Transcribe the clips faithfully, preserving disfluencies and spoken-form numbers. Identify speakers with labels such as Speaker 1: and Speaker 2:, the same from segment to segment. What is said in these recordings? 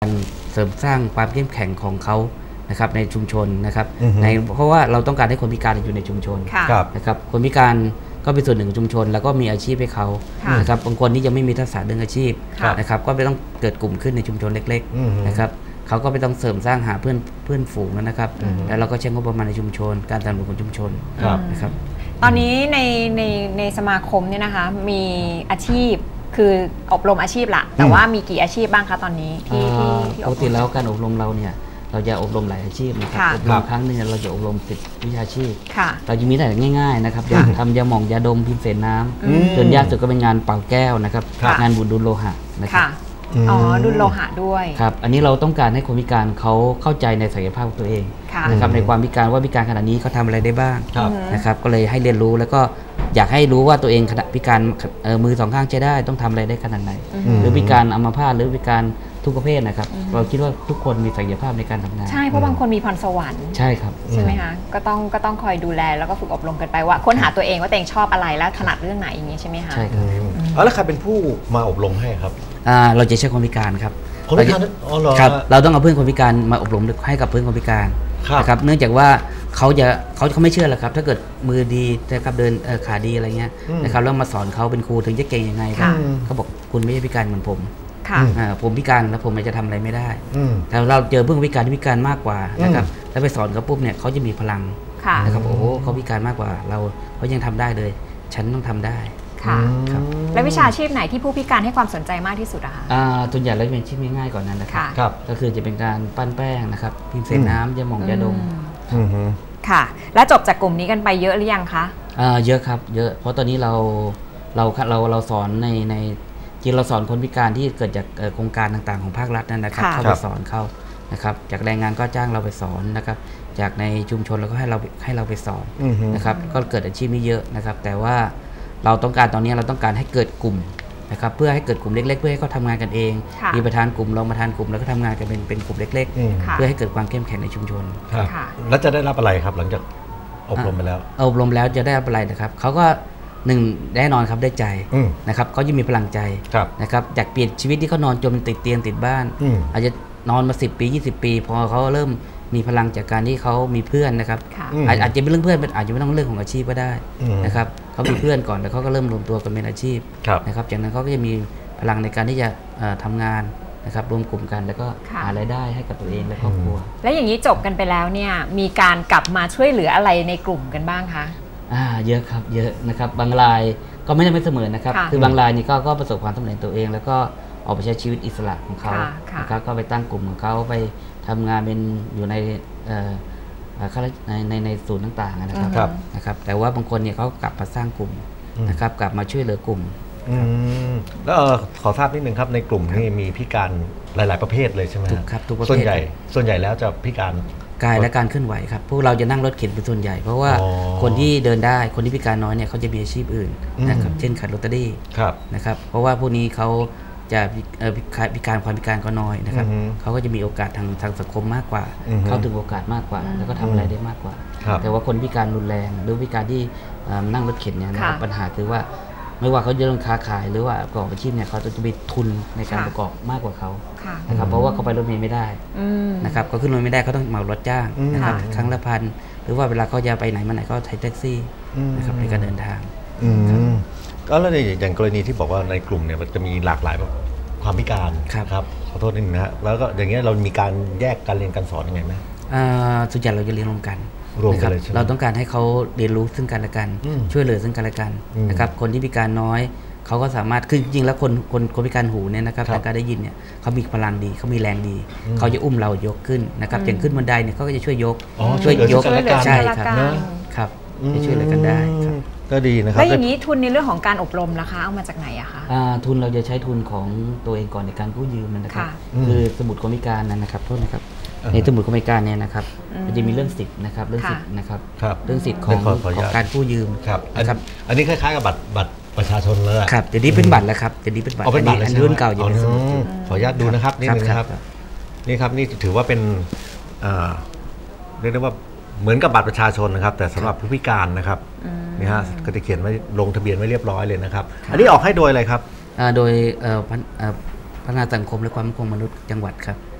Speaker 1: เสริมสร้างความเข้มแข็งของเขานะครับในชุมชนนะครับในเพราะว่าเราต้องการให้คนพิการอยู่ในชุมชนนะครับคนพิการก็เป็นส่วนหนึ่งของชุมชนแล้วก็มีอาชีพให้เขานะครับบางคนที่ยังไม่มีทักษะเรื่องอาชีพนะครับก็ไม่ต้องเกิดกลุ่มขึ้นในชุมชนเล็กๆนะครับเขาก็ไม่ต้องเสริมสร้างหาเพื่อนเพื่อนฝูงนะครับแล้วเราก็ใช้งบประมาณในชุมชนการสนับสนุนของชุมชนนะครับ
Speaker 2: ตอนนี้ในในในสมาคมเนี่ยนะคะมีอาชีพคืออบรมอาชีพละแต่ว่ามีกี่อาชีพบ้างคะตอนนี้ที่ที่
Speaker 1: ปกติแล้วการอบรมเราเนี่ยเราจะอบรมหลายอาชีพนะครับอบรมครั้งนึงเราจะอบรมสิบวิชาชีพเราจะมีแต่ง่ายๆนะครับอย่างทำยาหม่องยาดมพิมพ์เสนน้ำจนยากสุดก็เป็นงานเป่าแก้วนะครับงานบุญดุลโลหะนะครับ
Speaker 2: อ๋อดุลโลหะด้วย
Speaker 1: ครับอันนี้เราต้องการให้คนพิการเขาเข้าใจในศักยภาพของตัวเองนะครับในความพิการว่าพิการขนาดนี้เขาทำอะไรได้บ้างนะครับก็เลยให้เรียนรู้แล้วก็อยากให้รู้ว่าตัวเองขณะพิการมือสองข้างใช้ได้ต้องทำอะไรได้ขนาดไหนหรือพิการอัมพาตหรือพิการทุกประเภทนะครับเราคิดว่าทุกคนมีศักยภาพในการทำงาน
Speaker 2: ใช่เพราะบางคนมีพรสวรรค์
Speaker 1: ใช่ครับ
Speaker 2: ใช่ไหมคะก็ต้องก็ต้องคอยดูแลแล้วก็ฝึกอบรมกันไปว่าค้นหาตัวเองว่าตัวเองชอบอะไรแล้วถนัดเรื่องไหนอย่างนี้ใช่ไหมคะ
Speaker 1: ใช่ครับ
Speaker 3: แล้วใครเป็นผู้มาอบรมให้ครับ
Speaker 1: เราจะใช้คนพิการครับ
Speaker 3: คนพิการอ๋อเหรอ
Speaker 1: ครับเราต้องเอาเพื่อนคนพิการมาอบรมให้กับเพื่อนคนพิการนะครับเนื่องจากว่าเขาจะเขาเขาไม่เชื่อหรอกครับถ้าเกิดมือดีนะครับเดินขาดีอะไรเงี้ยนะครับแล้วมาสอนเขาเป็นครูถึงจะเก่งยังไงครับเขาบอกคุณไม่ใช่พิการเหมือนผมผมพิการแล้วผมจะทำอะไรไม่ได้แต่เราเจอเพื่อนพิการที่พิการมากกว่านะครับแล้วไปสอนเขาปุ๊บเนี่ยเขาจะมีพลังนะครับโอ้โหเขาพิการมากกว่าเราเขายังทำได้เลยฉันต้องทำได้
Speaker 2: ค่ะแล้ววิชาชีพไหนที่ผู้พิการให้ความสนใจมากที่สุดอะคะ
Speaker 1: ส่วนใหญ่แล้วเป็นชีพง่ายๆก่อนนั้นนะครับก็คือจะเป็นการปั้นแป้งนะครับพิมพ์เสนน้ำยาหม่องยาดม
Speaker 2: ค่ะแล้วจบจากกลุ่มนี้กันไปเยอะหรือยังคะ
Speaker 1: เยอะครับเยอะเพราะตอนนี้เราเราเราเราสอนในในจริงเราสอนคนพิการที่เกิดจากโครงการต่างๆของภาครัฐนั่นนะครับเข้าไปสอนเขานะครับจากแรงงานก็จ้างเราไปสอนนะครับจากในชุมชนเราก็ให้เราให้เราไปสอนนะครับก็เกิดอาชีพนี้เยอะนะครับแต่ว่าเราต้องการตอนนี้เราต้องการให้เกิดกลุ่มนะครับเพื่อให้เกิดกลุ่มเล็กๆเพื่อให้เขาทำงานกันเองมีประธานกลุ่มรองประธานกลุ่มแล้วก็ทำงานกันเป็นเป็นกลุ่มเล็กๆเพื่อให้เกิดความเข้มแข็งในชุมชน
Speaker 3: แล้วจะได้รับอะไรครับหลังจากอบรมไปแล้ว
Speaker 1: อบรมแล้วจะได้รับอะไรนะครับเขาก็หนึ่งแน่นอนครับได้ใจนะครับเขาจะมีพลังใจนะครับจากเปลี่ยนชีวิตที่เขานอนจมติดเตียงติดบ้านอาจจะนอนมาสิบปียี่สิบปีพอเขาเริ่มมีพลังจากการที่เขามีเพื่อนนะครับอาจจะเป็นเรื่องเพื่อนอาจจะไม่ต้องเรื่องของอาชีพก็ได้นะครับเขามีเพื่อนก่อนแล้วเขาก็เริ่มรวมตัวกันเป็นอาชีพนะครับจากนั้นเขาก็จะมีพลังในการที่จะทำงานนะครับรวมกลุ่มกันแล้วก็หารายได้ให้กับตัวเองและครอบครัว
Speaker 2: และอย่างนี้จบกันไปแล้วเนี่ยมีการกลับมาช่วยเหลืออะไรในกลุ่มกันบ้างคะ
Speaker 1: อ่าเยอะครับเยอะนะครับบางรายก็ไม่ได้ไม่เสมอนะครับคือบางรายนี่ก็ก็ประสบความสำเร็จตัวเองแล้วก็ออกไปใช้ชีวิตอิสระของเขานะครับก็ไปตั้งกลุ่มของเขาไปทำงานเป็นอยู่ในในในในศูนย์ต่างๆนะครับนะครับแต่ว่าบางคนเนี่ยเขากลับมาสร้างกลุ่มนะครับกลับมาช่วยเหลือกลุ่ม
Speaker 3: แล้วขอทราบนิดนึงครับในกลุ่มนี้มีพิการหลายๆประเภทเลยใช่ไหม
Speaker 1: ครับทุกประเภท
Speaker 3: ส่วนใหญ่ส่วนใหญ่แล้วจะพิการ
Speaker 1: กายและการเคลื่อนไหวครับพวกเราจะนั่งรถเข็นเป็นส่วนใหญ่เพราะว่าคนที่เดินได้คนที่พิการน้อยเนี่ยเขาจะมีอาชีพอื่นนะครับเช่นขับรถตี้นะครับเพราะว่าพวกนี้เขาจะพิการความพิการก็น้อยนะครับเขาก็จะมีโอกาสทางทางสังคมมากกว่าเข้าถึงโอกาสมากกว่าแล้วก็ทำอะไรได้มากกว่าแต่ว่าคนพิการรุนแรงหรือพิการที่นั่งรถเข็นเนี่ยนะครับปัญหาคือว่าไม่ว่าเขาจะเริ่มค้าขายหรือว่าประกอบอาชีพเนี่ยเขาจะมีทุนในการประกอบมากกว่าเขานะครับเพราะว่าเขาไปรถเมล์ไม่ได้นะครับเขาขึ้นรถไม่ได้เขาต้องเหมารถจ้างนะครับครั้งละพันหรือว่าเวลาเขาจะไปไหนมาไหนก็ใช้แท็กซี่นะครับในการเดินทาง
Speaker 3: ก็แล้วอย่างกรณีที่บอกว่าในกลุ่มเนี่ยมันจะมีหลากหลายแบบความพิการครับขอโทษนิดนึงนะแล้วก็อย่างเงี้ยเรามีการแยกการเรียนการสอนยังไงไหม
Speaker 1: ส่วนใหญ่เราจะเรียนรวมกันนะครับเราต้องการให้เขาเรียนรู้ซึ่งกันและกันช่วยเหลือซึ่งกันและกันนะครับคนที่พิการน้อยเขาก็สามารถคือจริงๆแล้วคนคนคนพิการหูเนี่ยนะครับทางการได้ยินเนี่ยเขามีพลังดีเขามีแรงดีเขาจะอุ้มเรายกขึ้นนะครับอย่างขึ้นบันไดเนี่ยเขาก็จะช่วยยก
Speaker 3: ช่วยยก
Speaker 1: ใช่ครับครับจะช่วยเหลือกันได้ครับ
Speaker 3: ก็ดีนะครับ
Speaker 2: แล้วอย่างนี้ทุนในเรื่องของการอบรมนะคะเอามาจากไหนอะคะ
Speaker 1: ทุนเราจะใช้ทุนของตัวเองก่อนในการกู้ยืมนะครับคือสมุดคนพิการนะครับโทษนะครับในสมุดคนพิการเนี่ยนะครับมันจะมีเรื่องสิทธิ์นะครับเรื่องสิทธิ์นะครับเรื่องสิทธิ์ของการกู้ยืม
Speaker 3: นะครับอันนี้คล้ายๆกับบัตรบัตรประชาชนเลย
Speaker 1: ครับเดี๋ยวนี้เป็นบัตรแล้วครับเดี๋ยวนี้เป็นบัตร
Speaker 3: อัน
Speaker 1: นี้รุ่นเก่าอยู่ในสมุด
Speaker 3: ขออนุญาตดูนะครับนี่นะครับนี่ครับนี่ถือว่าเป็นเรียกได้ว่าเหมือนกับบัตรประชาชนนะครับแต่สำหรับผู้พิการนะครับนี่ฮะก็จะเขียนไว้ลงทะเบียนไว้เรียบร้อยเลยนะครับอันนี้ออกให้โดยอะไรครับ
Speaker 1: โดยพัฒนาสังคมและความมั่นคงมนุษย์จังหวัดครับ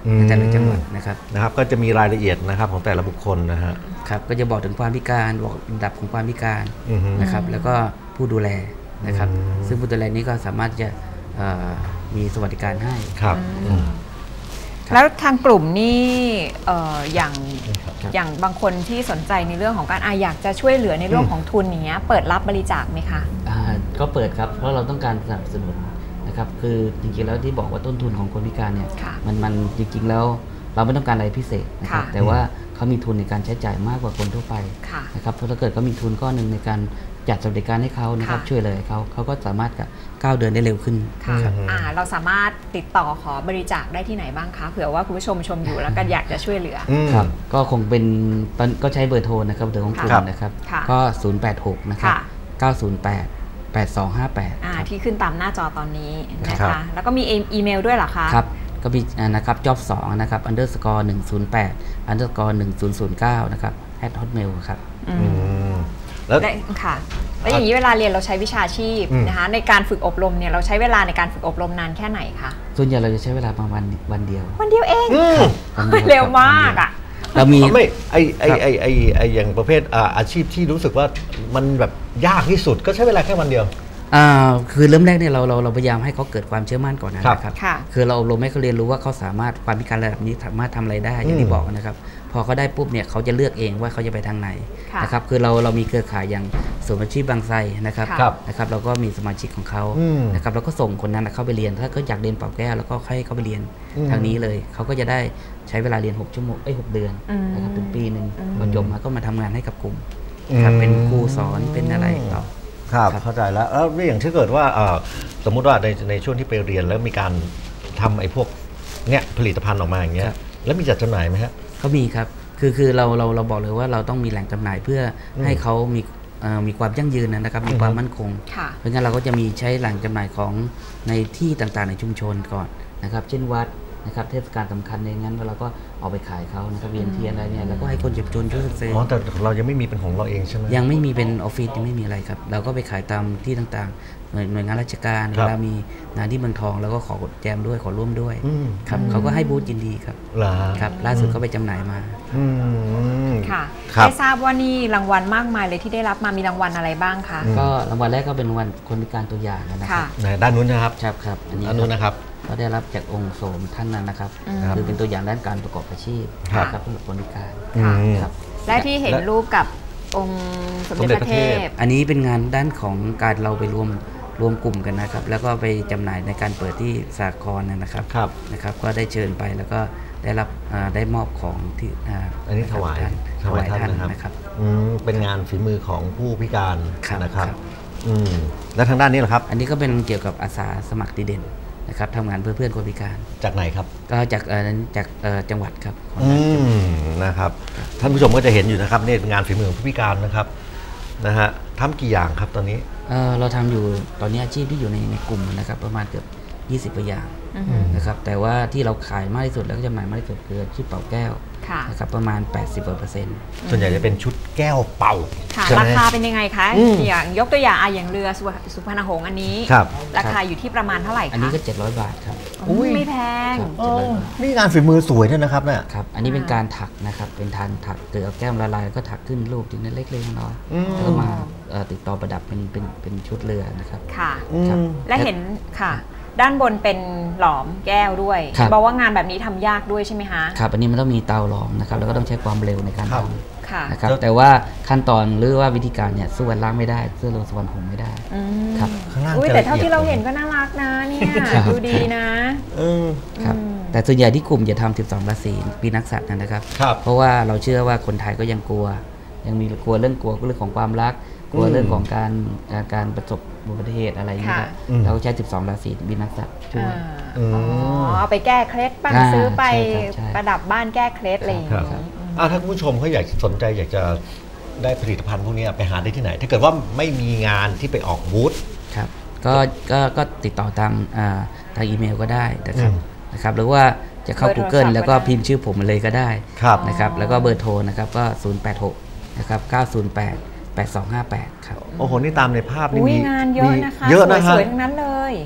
Speaker 1: ในแต่ละจังหวัดนะครับ
Speaker 3: นะครับก็จะมีรายละเอียดนะครับของแต่ละบุคคลนะฮะ
Speaker 1: ครับก็จะบอกถึงความพิการบอกระดับของความพิการนะครับแล้วก็ผู้ดูแลนะครับซึ่งผู้ดูแลนี้ก็สามารถจะมีสวัสดิการให้
Speaker 3: ครับ
Speaker 2: แล้วทางกลุ่มนี่อย่างอย่างบางคนที่สนใจในเรื่องของการออยากจะช่วยเหลือในเรื่องของทุนอย่างเงี้ยเปิดรับบริจาคไหมคะ
Speaker 1: ก็เปิดครับเพราะเราต้องการสนับสนุนนะครับคือจริงๆแล้วที่บอกว่าต้นทุนของคนพิการเนี่ยมันมันจริงๆแล้วเราไม่ต้องการอะไรพิเศษนะครับแต่ว่าเขามีทุนในการใช้จ่ายมากกว่าคนทั่วไปนะครับเพราะถ้าเกิดเขามีทุนก้อนหนึ่งในการจัดสวัสดิการให้เขานะครับช่วยเลยเขาเขาก็สามารถก้าวเดินได้เร็วขึ้น
Speaker 2: ครับเราสามารถติดต่อขอบริจาคได้ที่ไหนบ้างคะเผื่อว่าคุณผู้ชมชมอยู่แล้วก็อยากจะช่วยเหลือ
Speaker 1: ครับก็คงเป็นก็ใช้เบอร์โทรนะครับเบอร์ของกลุ่มนะครับก็ศูนย์ แปด หกนะครับเก้า ศูนย์ แปด แปด สอง ห้า แปด
Speaker 2: ที่ขึ้นตามหน้าจอตอนนี้นะคะแล้วก็มีอีเมลด้วยเหรอคะ
Speaker 1: ครับก็มีนะครับ จ็อบ สองนะครับ อันเดอร์สกอร์ หนึ่ง ศูนย์ แปด อันเดอร์สกอร์ หนึ่ง ศูนย์ ศูนย์ เก้านะครับแอท ฮอตเมล ครับ
Speaker 2: แล้วค่ะแล้วอย่างนี้เวลาเรียนเราใช้วิชาชีพนะคะในการฝึกอบรมเนี่ยเราใช้เวลาในการฝึกอบรมนานแค่ไหนคะ
Speaker 1: ส่วนใหญ่เราจะใช้เวลาประมาณวันเดียว
Speaker 2: วันเดียวเองเร็วมากอ่ะ
Speaker 3: เรามีไม่ไอไอไอไอไออย่างประเภทอาชีพที่รู้สึกว่ามันแบบยากที่สุดก็ใช้เวลาแค่วันเดียว
Speaker 1: คือเริ่มแรกเนี่ยเราเราเราพยายามให้เขาเกิดความเชื่อมั่นก่อนนะครับคือเราอบรมให้เขาเรียนรู้ว่าเขาสามารถความพิการระดับนี้สามารถทำอะไรได้อย่างที่บอกนะครับพอเขาได้ปุ๊บเนี่ยเขาจะเลือกเองว่าเขาจะไปทางไหนนะครับคือเราเรามีเครือข่ายอย่างศูนย์อาชีพบางไทรนะครับนะครับเราก็มีสมาชิกของเขานะครับเราก็ส่งคนนั้นเข้าไปเรียนถ้าเขาอยากเรียนเป่าแก้วแล้วก็ให้เขาไปเรียนทางนี้เลยเขาก็จะได้ใช้เวลาเรียนหกชั่วโมงไอ้หกเดือนนะครับถึงปีหนึ่งพอจบมาก็มาทำงานให้กับกลุ่มครับเป็นครูสอนเป็นอะไรต่อ
Speaker 3: ครับเข้าใจแล้วแล้วอย่างที่เกิดว่าสมมุติว่าในในช่วงที่ไปเรียนแล้วมีการทำไอ้พวกเนี้ยผลิตภัณฑ์ออกมาอย่างเงี้ยแล้วมีจัดจำหน่ายไหมฮะ
Speaker 1: เขามีครับคือคือเราเราเราบอกเลยว่าเราต้องมีแหล่งจำหน่ายเพื่อให้เขามีมีความยั่งยืนนะครับมีความมั่นคงเพราะงั้นเราก็จะมีใช้แหล่งจำหน่ายของในที่ต่างๆในชุมชนก่อนนะครับเช่นวัดนะครับเทศกาลสำคัญในงั้นเราก็เอาไปขายเขานะครับเวียนเทียนอะไรเนี่ยแล้วก็ให้คนเจ็บจนช่วยซื้อ
Speaker 3: อ๋อแต่เรายังไม่มีเป็นของเราเองใช่ไหม
Speaker 1: ยังไม่มีเป็นออฟฟิศยังไม่มีอะไรครับเราก็ไปขายตามที่ต่างๆหน่วยงานราชการเวลามีงานที่เมืองทองเราก็ขอแจมด้วยขอร่วมด้วยครับเขาก็ให้บูธยินดีครับครับล่าสุดก็ไปจำหน่ายมา
Speaker 2: ค่ะได้ทราบว่านี่รางวัลมากมายเลยที่ได้รับมามีรางวัลอะไรบ้างคะ
Speaker 1: ก็รางวัลแรกก็เป็นรางวัลคนพิการตัวอย่างนะครับ
Speaker 3: ด้านนู้นนะครับ
Speaker 1: ครับครับ
Speaker 3: อันนี้ด้านนู้นนะครับ
Speaker 1: ก็ได้รับจากองค์โสมท่านนั้นนะครับคือเป็นตัวอย่างด้านการประกอบอาชีพครับสำหรับคนพิการ
Speaker 2: ครับและที่เห็นรูปกับองค์สมเด็จพระเทพ
Speaker 1: อันนี้เป็นงานด้านของการเราไปรวมรวมกลุ่มกันนะครับแล้วก็ไปจำหน่ายในการเปิดที่สากลนะครับนะครับก็ได้เชิญไปแล้วก็ได้รับได้มอบของที่
Speaker 3: อันนี้ถวายถวายท่านนะครับเป็นงานฝีมือของผู้พิการนะครับและทางด้านนี้เหรอครับ
Speaker 1: อันนี้ก็เป็นเกี่ยวกับอาสาสมัครดีเด่นนะครับทำงานเพื่อเพื่อนคนพิการ
Speaker 3: จากไหนครับ
Speaker 1: ก็จากจากจังหวัดครับ
Speaker 3: นะครับท่านผู้ชมก็จะเห็นอยู่นะครับนี่เป็นงานฝีมือของผู้พิการนะครับนะฮะทำกี่อย่างครับตอนนี้
Speaker 1: เราทำอยู่ตอนนี้อาชีพที่อยู่ในในกลุ่มนะครับประมาณเกือบยี่สิบอย่างนะครับแต่ว่าที่เราขายมากที่สุดแล้วก็จำหน่ายมากที่สุดคือชุดเป่าแก้วนะครับประมาณ แปดสิบเปอร์เซ็นต์
Speaker 3: ส่วนใหญ่จะเป็นชุดแก้วเป่า
Speaker 2: ราคาเป็นยังไงคะอย่างยกตัวอย่างอย่างเรือสุพรรณหงษ์อันนี้ราคาอยู่ที่ประมาณเท่าไหร่คะ
Speaker 1: อันนี้ก็เจ็ดร้อยบาทครับ
Speaker 2: ไม่แพง
Speaker 3: นี่งานฝีมือสวยด้วยนะครับเนี่ย
Speaker 1: ครับอันนี้เป็นการถักนะครับเป็นทานถักเกลือแก้วละลายก็ถักขึ้นรูปถึงเล็กๆน้อยๆแล้วก็มาติดต่อประดับเป็นเป็นเป็นชุดเรือนะครับ
Speaker 2: ค่ะและเห็นค่ะด้านบนเป็นหลอมแก้วด้วยบอกว่างานแบบนี้ทำยากด้วยใช่ไหมคะ
Speaker 1: ครับอันนี้มันต้องมีเตาหลอมนะครับแล้วก็ต้องใช้ความเร็วในการทำนะครับแต่ว่าขั้นตอนหรือว่าวิธีการเนี่ยสู้วันล่างไม่ได้สู้ลงสวรรค์หงไม่ได้
Speaker 2: ครับอุ้ยแต่เท่าที่เราเห็นก็น่ารักนะเนี่ยดูดีนะครับ
Speaker 1: แต่ส่วนใหญ่ที่กลุ่มจะทำสิบสองราศีปีนักษัตริย์นะครับเพราะว่าเราเชื่อว่าคนไทยก็ยังกลัวยังมีกลัวเรื่องกลัวเรื่องของความรักกลัวเรื่องของการการประสบอุบัติเหตุอะไรอย่างเงี้ยเราใช้สิบสองราศีบินนักษัตริย์ช่วย
Speaker 2: เอาไปแก้เคล็ดบ้างซื้อไปประดับบ้านแก้เคล็ดอะไรอย่างเงี้ย
Speaker 3: ถ้าคุณผู้ชมเขาอยากสนใจอยากจะได้ผลิตภัณฑ์พวกนี้ไปหาได้ที่ไหนถ้าเกิดว่าไม่มีงานที่ไปออกบูธ
Speaker 1: ครับก็ก็ก็ติดต่อทางทางอีเมลก็ได้นะครับนะครับหรือว่าจะเข้า Google แล้วก็พิมพ์ชื่อผมมาเลยก็ได้นะครับแล้วก็เบอร์โทรนะครับก็ศูนย์ แปด หกนะครับเก้า ศูนย์ แปด แปด สอง ห้า แปดครับ
Speaker 3: โอ้โหนี่ตามในภาพนี่
Speaker 2: มีงานเยอะนะคะเยอะนะสวยๆทั้งนั้นเลย
Speaker 1: ครับ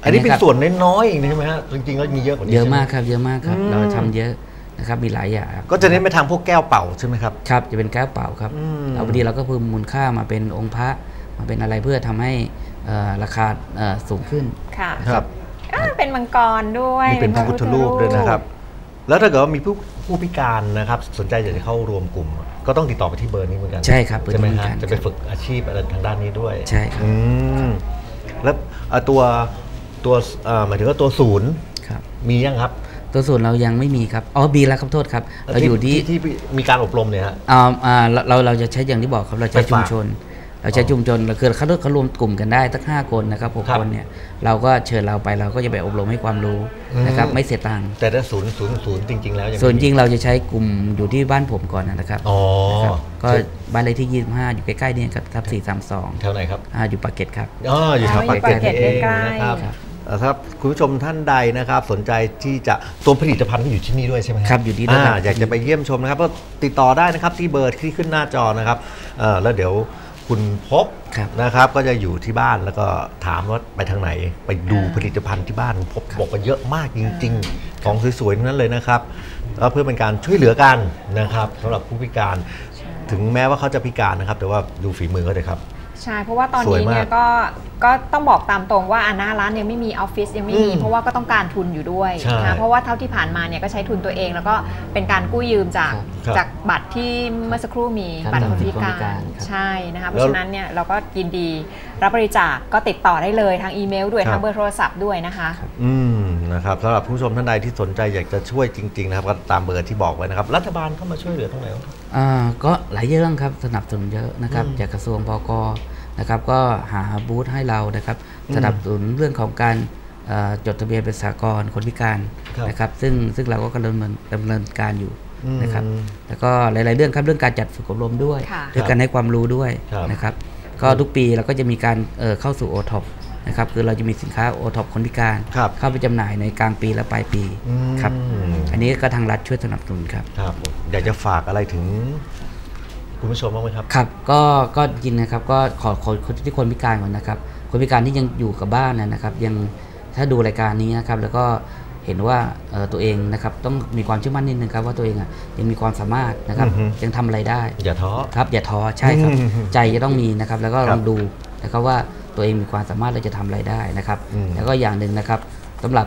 Speaker 3: อันนี้เป็นส่วนน้อยๆเองใช่ไหมฮะจริงๆแล้วมีเยอะกว่านี้
Speaker 1: เยอะมากครับเยอะมากครับเราทำเยอะนะครับมีหลายอย่าง
Speaker 3: ก็จะเน้นไปทางพวกแก้วเป่าใช่ไหมครับ
Speaker 1: ครับจะเป็นแก้วเป่าครับเอาพอดีเราก็เพิ่มมูลค่ามาเป็นองค์พระมาเป็นอะไรเพื่อทำให้ราคาสูงขึ้น
Speaker 2: ค่ะครับเป็นมังกรด้วย
Speaker 3: มีเป็นพระพุทธรูปด้วยนะครับแล้วถ้าเกิดว่ามีผู้ผู้พิการนะครับสนใจอยากจะเข้ารวมกลุ่มก็ต้องติดต่อไปที่เบอร์นี้เหมือนกัน
Speaker 1: ใช่ครับ
Speaker 3: ใช่ไหมฮะจะไปฝึกอาชีพอะไรทางด้านนี้ด้วย
Speaker 1: ใช่ครับ
Speaker 3: แล้วตัวตัวหมายถึงว่าตัวศูนย์มียังครับ
Speaker 1: ตัวศูนย์เรายังไม่มีครับอ๋อบีแล้วครับโทษครับเราอยู่ที่
Speaker 3: ที่มีการอบรมเนี่ยฮะ
Speaker 1: อ่าเราเราจะใช้อย่างที่บอกครับเราใช้ชุมชนเราใช้ชุมชนเราคือเขาเขารวมกลุ่มกันได้ตั้งห้าคนนะครับหกคนเนี่ยเราก็เชิญเราไปเราก็จะไปอบรมให้ความรู้นะครับไม่เสียตังค์
Speaker 3: แต่ถ้าศูนย์ศูนย์ศูนย์จริงๆแล้ว
Speaker 1: ส่วนจริงเราจะใช้กลุ่มอยู่ที่บ้านผมก่อนนะครับ
Speaker 3: อ๋อ
Speaker 1: ก็บ้านเลขที่ยี่สิบห้าอยู่ใกล้ๆนี่ครับทับสี่สามสอง
Speaker 3: แถวไหนครับ
Speaker 1: อ่าอยู่ปากเกร็ดครับ
Speaker 3: อ๋ออยู่แถวปากเกร็ดเองนะครับครับคุณผู้ชมท่านใดนะครับสนใจที่จะตัวผลิตภัณฑ์ก็อยู่ที่นี่ด้วยใช่ไหม
Speaker 1: ครับอยู่ที่นี่
Speaker 3: อยากจะไปเยี่ยมชมนะครับก็ติดต่อได้นะครับที่เบอร์ที่ขึ้นหน้าจอนะครับแล้วเดี๋ยวคุณพบนะครับก็จะอยู่ที่บ้านแล้วก็ถามว่าไปทางไหนไปดูผลิตภัณฑ์ที่บ้านพบบอกว่าเยอะมากจริงๆของสวยๆนั้นเลยนะครับแล้วเพื่อเป็นการช่วยเหลือกันนะครับสำหรับผู้พิการถึงแม้ว่าเขาจะพิการนะครับแต่ว่าดูฝีมือเขาเลยครับ
Speaker 2: ใช่เพราะว่าตอนนี้เนี่ยก็ก็ต้องบอกตามตรงว่าหน้าร้านยังไม่มีออฟฟิศยังไม่มีเพราะว่าก็ต้องการทุนอยู่ด้วยนะเพราะว่าเท่าที่ผ่านมาเนี่ยก็ใช้ทุนตัวเองแล้วก็เป็นการกู้ยืมจากจากบัตรที่เมื่อสักครู่มีบัตรคนพิการใช่นะคะเพราะฉะนั้นเนี่ยเราก็ยินดีรับบริจาคก็ติดต่อได้เลยทางอีเมลด้วยทางเบอร์โทรศัพท์ด้วยนะคะ
Speaker 3: อืมนะครับสำหรับผู้ชมท่านใดที่สนใจอยากจะช่วยจริงๆนะครับก็ตามเบอร์ที่บอกไว้นะครับรัฐบาลเข้ามาช่วยเหลือตรงไหน
Speaker 1: อ่าก็หลายเรื่องครับสนับสนุนเยอะนะครับจากกระทรวงปก.นะครับก็หาบูธให้เรานะครับสนับสนุนเรื่องของการจดทะเบียนเป็นสหกรณ์คนพิการนะครับซึ่งซึ่งเราก็กำลังดำเนินการอยู่นะครับแล้วก็หลายๆเรื่องครับเรื่องการจัดฝึกอบรมด้วยเรื่องการให้ความรู้ด้วยนะครับก็ทุกปีเราก็จะมีการเข้าสู่ โอ ท็อป นะครับคือเราจะมีสินค้า โอ ท็อป คนพิการเข้าไปจำหน่ายในกลางปีและปลายปีครับอันนี้ก็ทางรัฐช่วยสนับสนุนครับ
Speaker 3: ครับอยากจะฝากอะไรถึงคุณผู้ชมบ้างไหมครับ
Speaker 1: ครับก็ก็จริงนะครับก็ขอขอที่คนพิการก่อนนะครับคนพิการที่ยังอยู่กับบ้านนะครับยังถ้าดูรายการนี้นะครับแล้วก็เห็นว่าตัวเองนะครับต้องมีความเชื่อมั่นนิดนึงครับว่าตัวเองยังมีความสามารถนะครับยังทำอะไรได้
Speaker 3: อย่าท้อ
Speaker 1: ครับอย่าท้อใช่ครับใจจะต้องมีนะครับแล้วก็ลองดูนะครับว่าตัวเองมีความสามารถและจะทำอะไรได้นะครับแล้วก็อย่างหนึ่งนะครับสำหรับ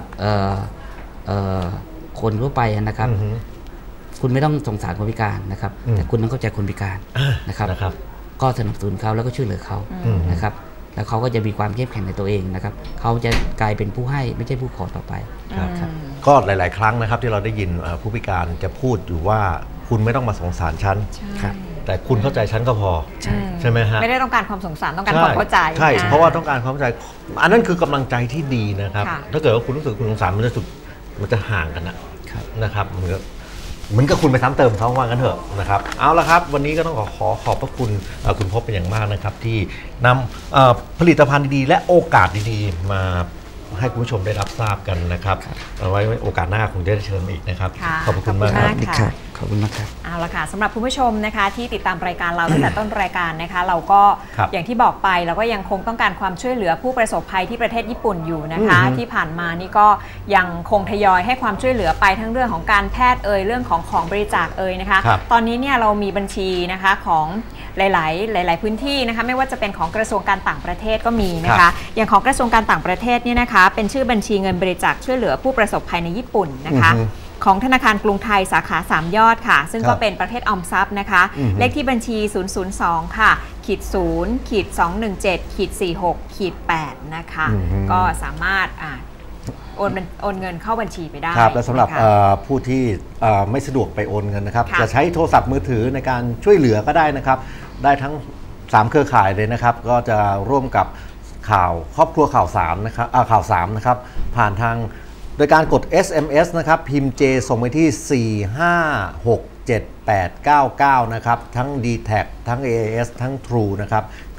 Speaker 1: คนทั่วไปนะครับคุณไม่ต้องสงสารคนพิการนะครับแต่คุณต้องเข้าใจคนพิการนะครับก็สนับสนุนเขาแล้วก็ช่วยเหลือเขานะครับแล้วเขาก็จะมีความเข้มแข็งในตัวเองนะครับเขาจะกลายเป็นผู้ให้ไม่ใช่ผู้ขอต่อไป
Speaker 3: ครับก็หลายๆครั้งนะครับที่เราได้ยินผู้พิการจะพูดอยู่ว่าคุณไม่ต้องมาสงสารฉันแต่คุณเข้าใจฉันก็พอใช่ไหมฮะ
Speaker 2: ไม่ได้ต้องการความสงสารต้องการความเข้าใจ
Speaker 3: ใช่เพราะว่าต้องการความเข้าใจอันนั้นคือกำลังใจที่ดีนะครับถ้าเกิดว่าคุณรู้สึกคุณสงสารมันจะสุดมันจะห่างกันนะครับเหมือนกับเหมือนกับคุณไปซ้ำเติมเขาว่ากันเถอะนะครับเอาละครับวันนี้ก็ต้องขอขอขอบพระคุณคุณพบเป็นอย่างมากนะครับที่นำผลิตภัณฑ์ดีๆและโอกาสดีๆมาให้คุณผู้ชมได้รับทราบกันนะครับเอาไว้โอกาสหน้าคงจะได้เชิญอีกนะครับขอบคุณมาก
Speaker 1: ครับขอบคุณมากครับ
Speaker 2: เอาละค่ะสำหรับคุณผู้ชมนะคะที่ติดตามรายการเราตั้งแต่ต้นรายการนะคะเราก็อย่างที่บอกไปเราก็ยังคงต้องการความช่วยเหลือผู้ประสบภัยที่ประเทศญี่ปุ่นอยู่นะคะที่ผ่านมานี่ก็ยังคงทยอยให้ความช่วยเหลือไปทั้งเรื่องของการแพทย์เอ่ยเรื่องของของบริจาคเอ่ยนะคะตอนนี้เนี่ยเรามีบัญชีนะคะของหลายๆหลายๆพื้นที่นะคะไม่ว่าจะเป็นของกระทรวงการต่างประเทศก็มีนะคะอย่างของกระทรวงการต่างประเทศเนี่ยนะคะเป็นชื่อบัญชีเงินบริจาคช่วยเหลือผู้ประสบภัยในญี่ปุ่นนะคะของธนาคารกรุงไทยสาขาสามยอดค่ะซึ่งก็เป็นประเภทออมทรัพย์นะคะเลขที่บัญชีศูนย์ ศูนย์ สองค่ะขีดศูนย์ขีดสองหนึ่งเจ็ดขีดสี่หกขีดแปดนะคะก็สามารถโอนโอนเงินเข้าบัญชีไปได้
Speaker 3: ครับและสำหรับผู้ที่ไม่สะดวกไปโอนเงินนะครับจะใช้โทรศัพท์มือถือในการช่วยเหลือก็ได้นะครับได้ทั้งสามเครือข่ายเลยนะครับก็จะร่วมกับข่าวครอบครัวข่าวสามนะครับข่าวสามนะครับผ่านทางโดยการกด เอส เอ็ม เอส นะครับพิมพ์ J ส่งไปที่สี่ ห้า หก เจ็ด แปด เก้า เก้านะครับทั้ง ดี แท็ก ทั้ง เอ เอ เอส ทั้ง True นะครับใค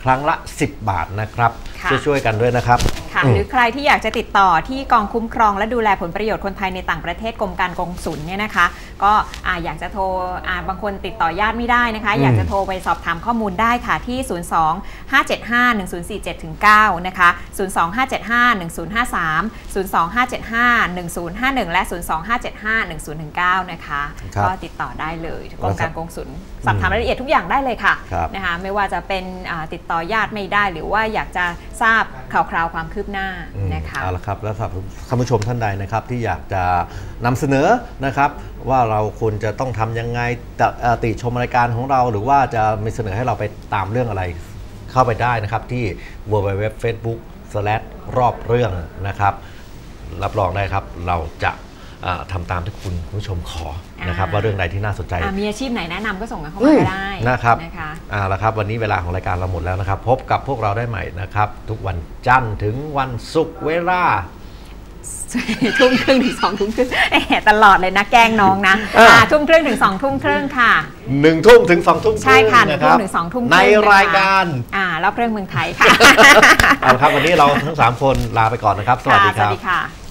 Speaker 3: ครั้งละสิบบาทนะครับช่วยๆกันด้วยนะครับ
Speaker 2: ค่ะหรือใครที่อยากจะติดต่อที่กองคุ้มครองและดูแลผลประโยชน์คนไทยในต่างประเทศกรมการกงสุลเนี่ยนะคะก็ออยากจะโทรบางคนติดต่อญาติไม่ได้นะคะอยากจะโทรไปสอบถามข้อมูลได้ค่ะที่ ศูนย์ สอง ห้า เจ็ด ห้า หนึ่ง ศูนย์ สี่ เจ็ด เก้า นะคะ ศูนย์ สอง ห้า เจ็ด ห้า หนึ่ง ศูนย์ ห้า สาม ศูนย์ สอง ห้า เจ็ด ห้า หนึ่ง ศูนย์ ห้า หนึ่ง และ ศูนย์ สอง ห้า เจ็ด ห้า หนึ่ง ศูนย์ หนึ่ง เก้า นะคะก็ติดต่อได้เลยกรมการกงสุลสอบถามรายละเอียดทุกอย่างได้เลยค่ะนะคะไม่ว่าจะเป็นติดต่อญาติไม่ได้หรือว่าอยากจะทราบข่าวคราวความคืบหน้านะคะ
Speaker 3: เอาละครับแล้วสำหรับท่านผู้ชมท่านใดนะครับที่อยากจะนำเสนอนะครับว่าเราควรจะต้องทำยังไงติชมรายการของเราหรือว่าจะมีเสนอให้เราไปตามเรื่องอะไรเข้าไปได้นะครับที่ ดับเบิลยู ดับเบิลยู ดับเบิลยู ดอท เฟซบุ๊ก สแลช รอบเรื่องนะครับรับรองได้ครับเราจะทำตามที่คุณผู้ชมขอนะครับว่าเรื่องใดที่น่าสนใจ
Speaker 2: มีอาชีพไหนแนะนำก็ส่งกันเข้ามาได้
Speaker 3: นะครับเอาละครับวันนี้เวลาของรายการเราหมดแล้วนะครับพบกับพวกเราได้ใหม่นะครับทุกวันจันทร์ถึงวันศุกร์เวลา
Speaker 2: ทุ่มครึ่งถึงสองทุ่มครึ่งตลอดเลยนะแกล้งน้องนะทุ่มครึ่งถึงสองทุ่มครึ่งค่ะ
Speaker 3: หนึ่งทุ่มถึงสองทุ่ม
Speaker 2: ใช่ค่ะหนึ่งทุ่มถึงสองทุ่ม
Speaker 3: ในรายการ
Speaker 2: อ่ารอบเรื่องเมืองไทยค่ะ
Speaker 3: เอาละครับวันนี้เราทั้งสามคนลาไปก่อนนะครับสวัสดีครับ